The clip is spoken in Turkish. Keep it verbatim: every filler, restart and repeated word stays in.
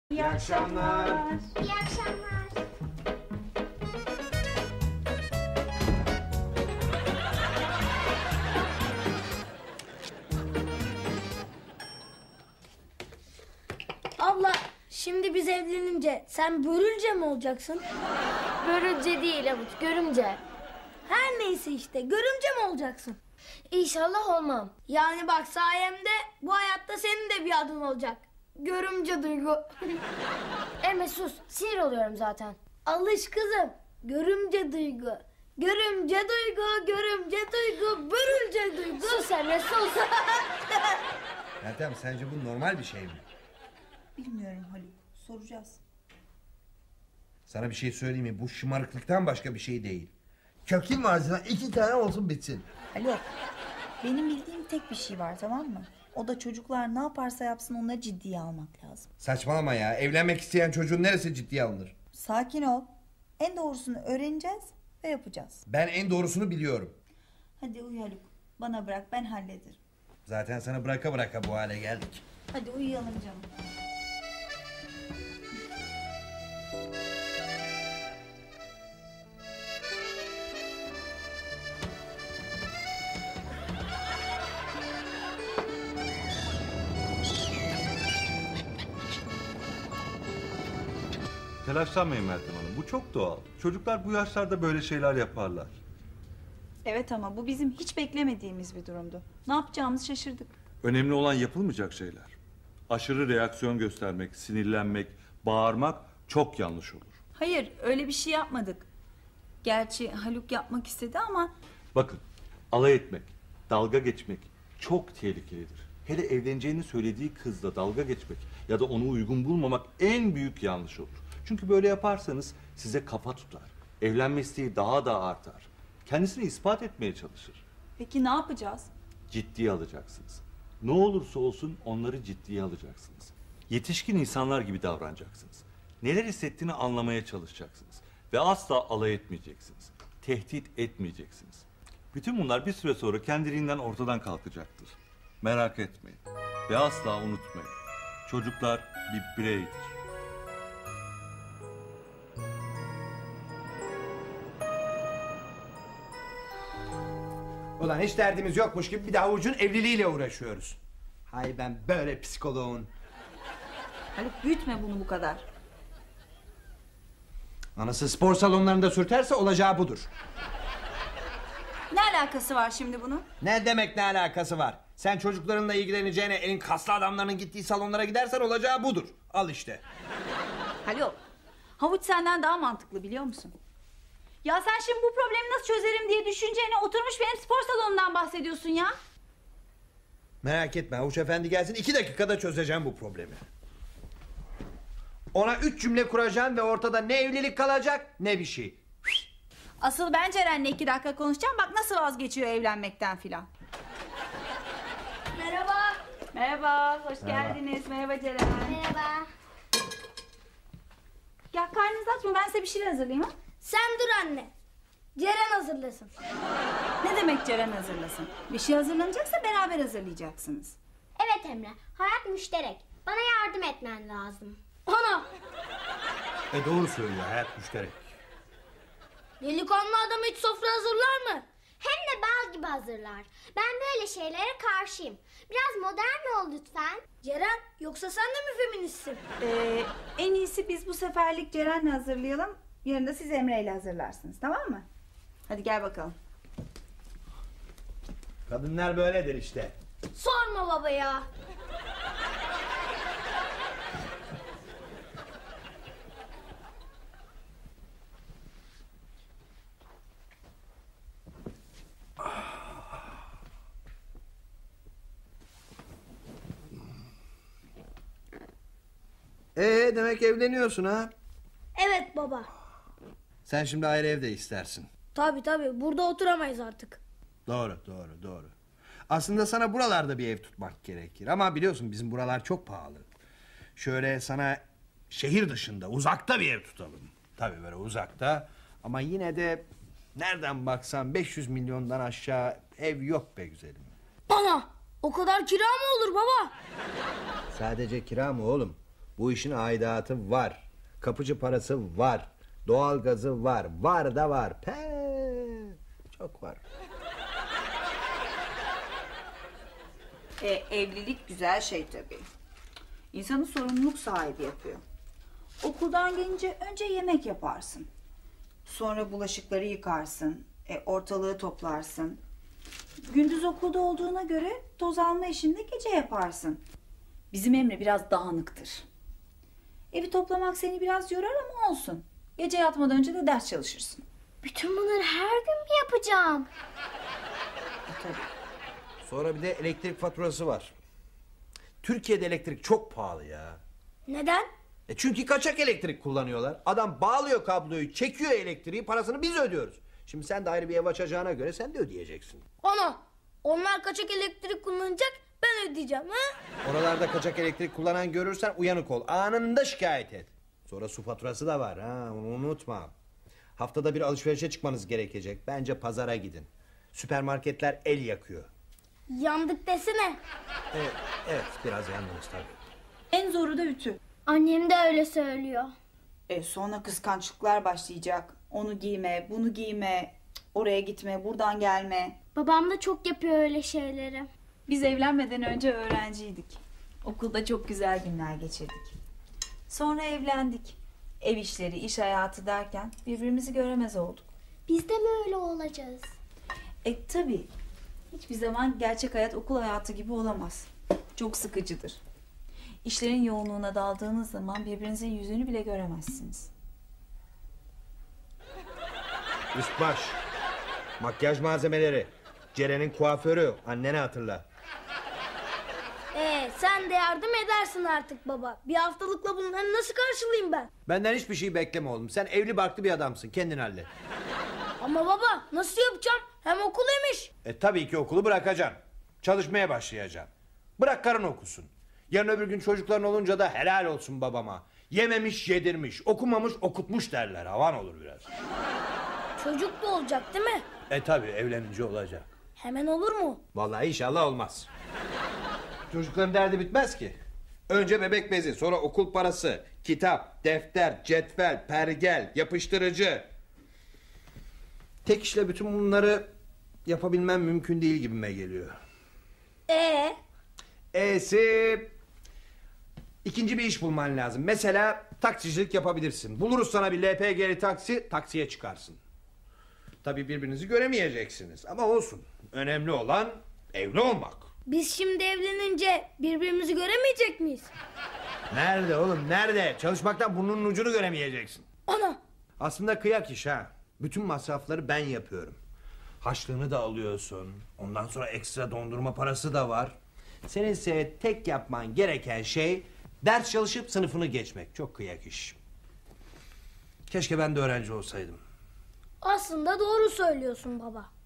İyi akşamlar. İyi akşamlar. Abla, şimdi biz evlenince sen börülce mi olacaksın? Börülce değil Avuç, görümce. Her neyse işte, görümce mi olacaksın? İnşallah olmam. Yani bak sayemde bu hayatta senin de bir adın olacak. Görümce Duygu. Emre sus, sinir oluyorum zaten. Alış kızım. Görümce Duygu. Görümce Duygu, görümce Duygu, börülce Duygu. Sus Emre sus. Meltem, sence bu normal bir şey mi? Bilmiyorum Haluk. Soracağız. Sana bir şey söyleyeyim mi? Bu şımarıklıktan başka bir şey değil. Kökün ağzına iki tane olsun bitsin. Haluk. Benim bildiğim tek bir şey var, tamam mı? O da çocuklar ne yaparsa yapsın onları ciddiye almak lazım. Saçmalama ya. Evlenmek isteyen çocuğun neresi ciddiye alınır? Sakin ol. En doğrusunu öğreneceğiz ve yapacağız. Ben en doğrusunu biliyorum. Hadi uyu Haluk. Bana bırak, ben hallederim. Zaten sana bıraka bıraka bu hale geldik. Hadi uyuyalım canım. Telaşlanmayın Meltem Hanım. Bu çok doğal. Çocuklar bu yaşlarda böyle şeyler yaparlar. Evet ama bu bizim hiç beklemediğimiz bir durumdu. Ne yapacağımızı şaşırdık. Önemli olan yapılmayacak şeyler. Aşırı reaksiyon göstermek, sinirlenmek, bağırmak çok yanlış olur. Hayır, öyle bir şey yapmadık. Gerçi Haluk yapmak istedi ama... Bakın, alay etmek, dalga geçmek çok tehlikelidir. Hele evleneceğini söylediği kızla dalga geçmek ya da onu uygun bulmamak en büyük yanlış olur. Çünkü böyle yaparsanız size kafa tutar. Evlenme isteği daha da artar. Kendisini ispat etmeye çalışır. Peki ne yapacağız? Ciddiye alacaksınız. Ne olursa olsun onları ciddiye alacaksınız. Yetişkin insanlar gibi davranacaksınız. Neler hissettiğini anlamaya çalışacaksınız. Ve asla alay etmeyeceksiniz. Tehdit etmeyeceksiniz. Bütün bunlar bir süre sonra kendiliğinden ortadan kalkacaktır. Merak etmeyin. Ve asla unutmayın. Çocuklar bir bireydir. Ulan hiç derdimiz yokmuş gibi bir de Havuç'un evliliğiyle uğraşıyoruz. Hay ben böyle psikoloğun. Haluk büyütme bunu bu kadar. Anası spor salonlarında sürterse olacağı budur. Ne alakası var şimdi bunun? Ne demek ne alakası var? Sen çocuklarınla ilgileneceğine elin kaslı adamların gittiği salonlara gidersen olacağı budur. Al işte. Haluk, Havuç senden daha mantıklı biliyor musun? Ya sen şimdi bu problemi nasıl çözerim diye düşüneceğine oturmuş benim spor salonundan bahsediyorsun ya. Merak etme Havuç Efendi gelsin, iki dakikada çözeceğim bu problemi. Ona üç cümle kuracaksın ve ortada ne evlilik kalacak ne bir şey. Asıl ben Ceren'le iki dakika konuşacağım, bak nasıl vazgeçiyor evlenmekten filan. Merhaba. Merhaba, hoş geldiniz. Merhaba Ceren. Merhaba. Ya karnınızı açma, ben size bir şeyler hazırlayayım ha. Sen dur anne. Ceren hazırlasın. Ne demek Ceren hazırlasın? Bir şey hazırlanacaksa beraber hazırlayacaksınız. Evet Emre, hayat müşterek. Bana yardım etmen lazım. Ana. E doğru söylüyor, hayat müşterek. Delikanlı adam hiç sofra hazırlar mı? Hem de bal gibi hazırlar. Ben böyle şeylere karşıyım. Biraz modern ol lütfen. Ceren, yoksa sen de mi feministsin? Ee, en iyisi biz bu seferlik Ceren'le hazırlayalım. Yarın da siz Emre'yle hazırlarsınız, tamam mı? Hadi gel bakalım. Kadınlar böyledir işte. Sorma baba ya. Ee demek evleniyorsun ha? Evet baba. Sen şimdi ayrı evde istersin. Tabii tabii, burada oturamayız artık. Doğru doğru doğru. Aslında sana buralarda bir ev tutmak gerekir. Ama biliyorsun bizim buralar çok pahalı. Şöyle sana şehir dışında uzakta bir ev tutalım. Tabii böyle uzakta. Ama yine de nereden baksan beş yüz milyondan aşağı ev yok be güzelim. Bana o kadar kira mı olur baba? Sadece kira mı oğlum? Bu işin aidatı var. Kapıcı parası var. Doğalgazı var. Var da var. Pe, çok var. E, evlilik güzel şey tabii. İnsanı sorumluluk sahibi yapıyor. Okuldan gelince önce yemek yaparsın. Sonra bulaşıkları yıkarsın. E, ortalığı toplarsın. Gündüz okulda olduğuna göre toz alma işini de gece yaparsın. Bizim Emre biraz dağınıktır. Evi toplamak seni biraz yorar ama olsun. Gece yatmadan önce de ders çalışırsın. Bütün bunları her gün mü yapacağım? E, tabii. Sonra bir de elektrik faturası var. Türkiye'de elektrik çok pahalı ya. Neden? E çünkü kaçak elektrik kullanıyorlar. Adam bağlıyor kabloyu, çekiyor elektriği, parasını biz ödüyoruz. Şimdi sen de ayrı bir ev açacağına göre sen de ödeyeceksin. Ana, onlar kaçak elektrik kullanacak, ben ödeyeceğim ha? Oralarda kaçak elektrik kullanan görürsen uyanık ol. Anında şikayet et. Sonra su faturası da var ha, onu unutma. Haftada bir alışverişe çıkmanız gerekecek. Bence pazara gidin. Süpermarketler el yakıyor. Yandık desene. Evet, evet biraz yandınız tabii. En zoru da ütü. Annem de öyle söylüyor. E, sonra kıskançlıklar başlayacak. Onu giyme, bunu giyme, cık, oraya gitme, buradan gelme. Babam da çok yapıyor öyle şeyleri. Biz evlenmeden önce öğrenciydik. Okulda çok güzel günler geçirdik. Sonra evlendik. Ev işleri, iş hayatı derken birbirimizi göremez olduk. Biz de mi öyle olacağız? E tabii. Hiçbir zaman gerçek hayat okul hayatı gibi olamaz. Çok sıkıcıdır. İşlerin yoğunluğuna daldığınız zaman birbirinizin yüzünü bile göremezsiniz. Üst baş, makyaj malzemeleri, Ceren'in kuaförü, annene hatırla. Ee, sen de yardım edersin artık baba. Bir haftalıkla bunları nasıl karşılayayım ben? Benden hiçbir şey bekleme oğlum. Sen evli barklı bir adamsın, kendin hallet. Ama baba nasıl yapacağım? Hem okul hem iş. E tabii ki okulu bırakacaksın. Çalışmaya başlayacaksın. Bırak karın okusun. Yarın öbür gün çocukların olunca da helal olsun babama. Yememiş yedirmiş, okumamış okutmuş derler. Havan olur biraz. Çocuk da olacak değil mi? E tabii evlenince olacak. Hemen olur mu? Vallahi inşallah olmaz. Çocukların derdi bitmez ki. Önce bebek bezi, sonra okul parası, kitap, defter, cetvel, pergel, yapıştırıcı. Tek işle bütün bunları yapabilmem mümkün değil gibime geliyor. Ee, E'si ikinci bir iş bulman lazım. Mesela taksicilik yapabilirsin. Buluruz sana bir L P G'li taksi, taksiye çıkarsın. Tabii birbirinizi göremeyeceksiniz ama olsun. Önemli olan evli olmak. biz şimdi evlenince birbirimizi göremeyecek miyiz? Nerede oğlum nerede? Çalışmaktan burnunun ucunu göremeyeceksin. Ana, Aslında kıyak iş ha. Bütün masrafları ben yapıyorum. Haçlığını da alıyorsun. Ondan sonra ekstra dondurma parası da var. Senin ise tek yapman gereken şey ders çalışıp sınıfını geçmek. Çok kıyak iş. Keşke ben de öğrenci olsaydım. aslında doğru söylüyorsun baba.